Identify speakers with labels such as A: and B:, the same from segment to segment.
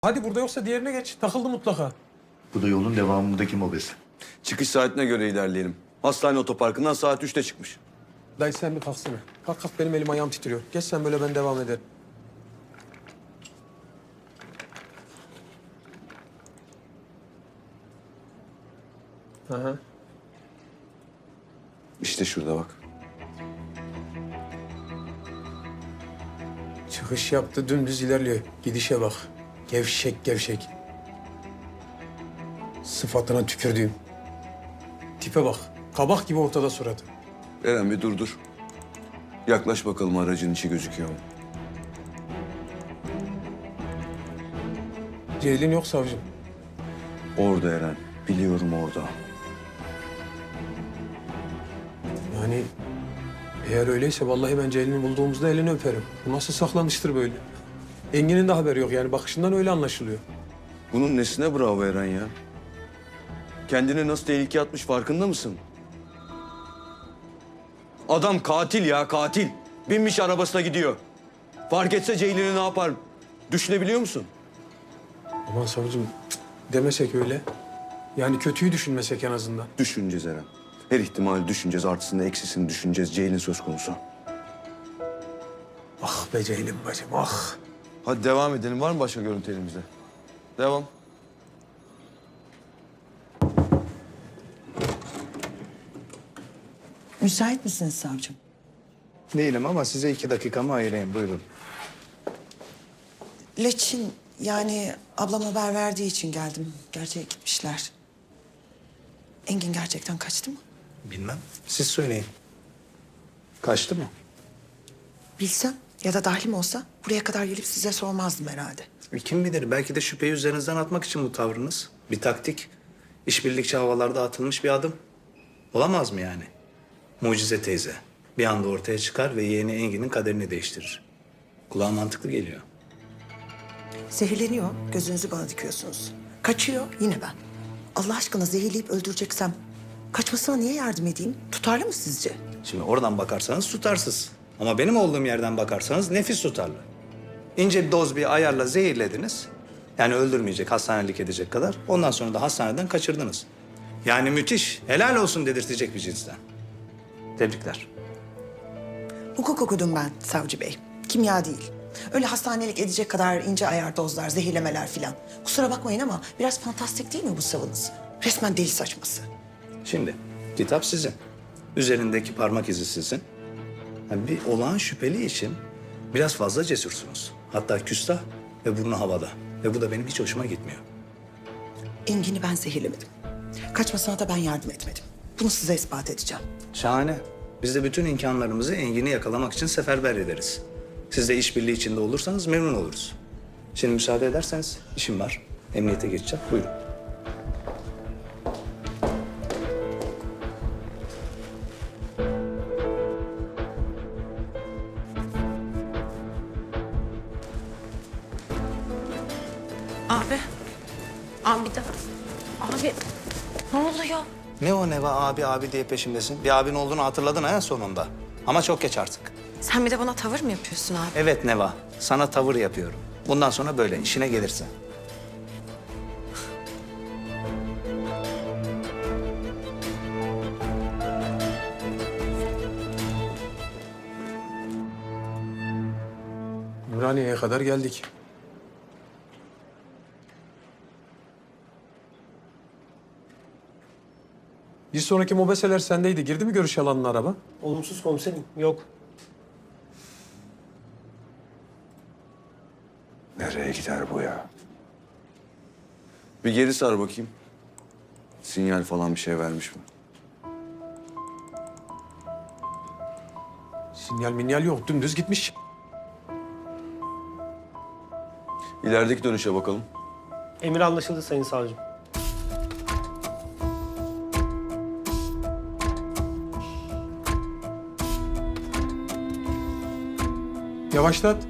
A: Hadi burada yoksa diğerine geç. Takıldı mutlaka.
B: Bu da yolun devamındaki mobese.
C: Çıkış saatine göre ilerleyelim. Hastane otoparkından saat 3'te çıkmış.
A: Dayı sen bir kalksana. Kalk kalk, benim elim ayağım titriyor. Geç sen böyle, ben devam ederim. Aha.
C: İşte şurada bak.
A: Çıkış yaptı, dümdüz ilerliyor. Gidişe bak. Gevşek gevşek. Sıfatına tükürdüğüm. Tipe bak. Kabak gibi ortada suratı.
C: Eren bir dur. Yaklaş bakalım, aracın içi gözüküyor mu?
A: Ceylin yok savcım.
C: Orada Eren. Biliyorum orada.
A: Yani eğer öyleyse vallahi ben Ceylin'i bulduğumuzda elini öperim. Bu nasıl saklanıştır böyle? Engin'in de haberi yok yani, bakışından öyle anlaşılıyor.
C: Bunun nesine bravo Eren ya? Kendini nasıl tehlikeye atmış farkında mısın? Adam katil ya, katil. Binmiş arabasına gidiyor. Fark etse Ceylin'i ne yapar? Düşünebiliyor musun?
A: Aman savcım, demesek öyle. Yani kötüyü düşünmesek en azından.
C: Düşüneceğiz Eren. Her ihtimali düşüneceğiz, artısını eksisini düşüneceğiz. Ceylin söz konusu.
A: Ah be Ceylin bacım, ah.
C: Hadi devam edelim. Var mı başka görüntü elimizde? Devam.
D: Müsait misiniz savcım?
E: Değilim ama size 2 dakikamı ayırayım. Buyurun.
D: Leçin, yani ablam haber verdiği için geldim. Gerçeğe gitmişler. Engin gerçekten kaçtı mı?
E: Bilmem. Siz söyleyin. Kaçtı mı?
D: Bilsem ya da dahlim olsa buraya kadar gelip size sormazdım herhalde.
E: Kim bilir, belki de şüpheyi üzerinizden atmak için bu tavrınız. Bir taktik. İşbirlikçi havalarda atılmış bir adım. Olamaz mı yani? Mucize teyze. Bir anda ortaya çıkar ve yeğeni Engin'in kaderini değiştirir. Kulağa mantıklı geliyor.
D: Zehirleniyor, gözünüzü bana dikiyorsunuz. Kaçıyor, yine ben. Allah aşkına zehirleyip öldüreceksem kaçmasına niye yardım edeyim? Tutarlı mı sizce?
E: Şimdi oradan bakarsanız tutarsız. Ama benim olduğum yerden bakarsanız nefis tutarlı. İnce bir doz bir ayarla zehirlediniz. Yani öldürmeyecek, hastanelik edecek kadar. Ondan sonra da hastaneden kaçırdınız. Yani müthiş, helal olsun dedirtecek bir cinsten. Tebrikler.
D: Hukuk okudum ben savcı bey. Kimya değil. Öyle hastanelik edecek kadar ince ayar dozlar, zehirlemeler filan. Kusura bakmayın ama biraz fantastik değil mi bu savınız? Resmen deli saçması.
E: Şimdi kitap sizin. Üzerindeki parmak izi sizin. Yani bir olağan şüpheli için biraz fazla cesursunuz. Hatta küstah ve burnu havada. Ve bu da benim hiç hoşuma gitmiyor.
D: Engin'i ben zehirlemedim. Kaçmasına da ben yardım etmedim. Bunu size ispat edeceğim.
E: Şahane. Biz de bütün imkanlarımızı Engin'i yakalamak için seferber ederiz. Siz de işbirliği içinde olursanız memnun oluruz. Şimdi müsaade ederseniz işim var. Emniyete geçeceğim. Buyurun.
F: Abi. Abi bir dakika. Abi ne oluyor?
E: Ne o Neva abi abi diye peşimdesin? Bir abin olduğunu hatırladın ha sonunda. Ama çok geç artık.
F: Sen bir de bana tavır mı yapıyorsun abi?
E: Evet Neva, sana tavır yapıyorum. Bundan sonra böyle, işine gelirse.
A: Ümraniye'ye kadar geldik. Bir sonraki mobeseler sendeydi. Girdi mi görüş alanına araba?
G: Olumsuz komiserim, yok.
B: Nereye gider bu ya?
C: Bir geri sar bakayım. Sinyal falan bir şey vermiş mi?
A: Sinyal minyal yok. Dümdüz gitmiş.
C: İlerideki dönüşe bakalım.
G: Emir anlaşıldı sayın savcım.
A: Yavaşlat.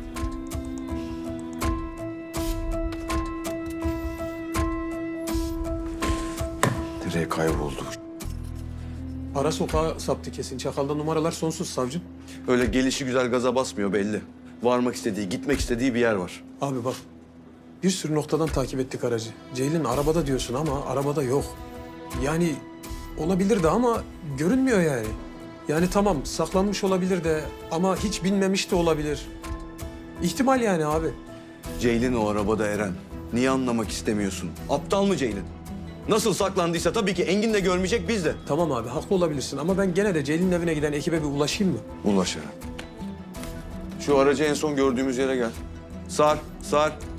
C: Nereye kayboldu?
A: Ara sokağa saptı kesin. Çakal'da numaralar sonsuz savcım.
C: Öyle gelişi güzel gaza basmıyor belli. Varmak istediği, gitmek istediği bir yer var.
A: Abi bak, Bir sürü noktadan takip ettik aracı. Ceylin arabada diyorsun ama arabada yok. Yani olabilir de ama görünmüyor yani. Yani tamam saklanmış olabilir de ama hiç binmemiş de olabilir. İhtimal yani abi.
C: Ceylin o arabada Eren. Niye anlamak istemiyorsun? Aptal mı Ceylin? Nasıl saklandıysa tabii ki Engin de görmeyecek, biz de.
A: Tamam abi haklı olabilirsin ama ben gene de Ceylin'in evine giden ekibe bir ulaşayım mı?
C: Ulaş Eren. Şu aracı en son gördüğümüz yere gel. Sar, sar.